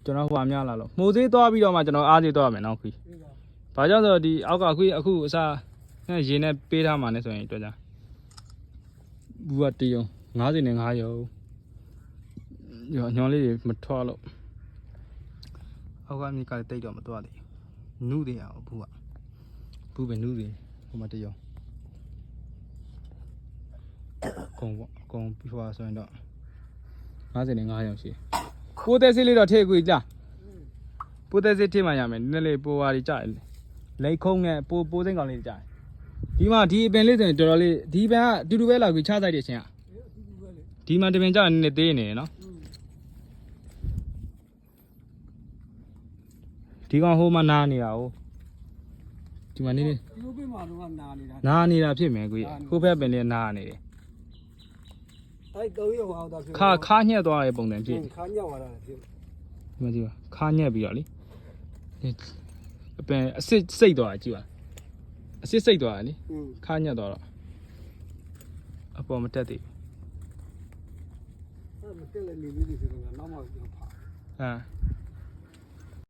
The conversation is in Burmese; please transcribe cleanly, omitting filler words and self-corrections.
ကျွန်တော်ဟိုအများလာလို့မှုသေးသွားပြီးတော့မှကျွန်တော်အားသေးသွားမယ်နော်ခွေးဘာကြောင့်ဆိုတော့ဒီအောက်ကခွေးအခုအစားရေနဲ့ပေးထားမှလည်းဆိုရင်တွေ့ကြဘူးကတယုံ90နဲ့9ရုံညောလေးတွေမထွက်လို့အောက်ကမြေကလည်းတိတ်တော့မသွားသေးဘူးနုတွေအောင်ဘူးပဲနုတွေဟိုမှာတယုံကုံပေါ့ကုံပြီးသွားဆိုရင်တော့90နဲ့9ရုံရှိပိုးသက်စစ်လေးတော့ထည့်ခွေလားပိုးသက်စစ်ထည့်မှရမယ်နည်းနည်းလေးပိုးဝါးကြီးကြတယ်လိတ်ခုံးနဲ့ပိုးစိမ့်ကောင်လေးကြတယ်ဒီမှာဒီအပင်လေးဆိုရင်တော်တော်လေးဒီပင်ကတူတူပဲလောက်ပြီးချဆိုင်တဲ့အချိန်ကဒီမှာတပင်ကြနည်းနည်းသေးနေတယ်နော်ဒီကောင်ဟိုမှာနားနေတာ哦ဒီမှာနေနေဒီလိုပြင်မှာတော့နားနေတာဖြစ်မယ်ကိုဟိုဘက်ပင်လေးနားနေတယ်အဲ့တော့ရောအောင်တာဖြစ်ခါညက်သွားတဲ့ပုံစံဖြစ်ခါညက်သွားတာဖြစ်ဒီမှာကြည့်ပါခါညက်ပြီးတော့လေအပင်အစစ်စိတ်သွားတာကြည့်ပါအစစ်စိတ်သွားတာလေခါညက်သွားတော့အပေါ်မတက်သေးဘူးအဲ့မတက်လည်းနေလေးတွေဆိုတော့နောက်မှပြန်ဖာဟမ်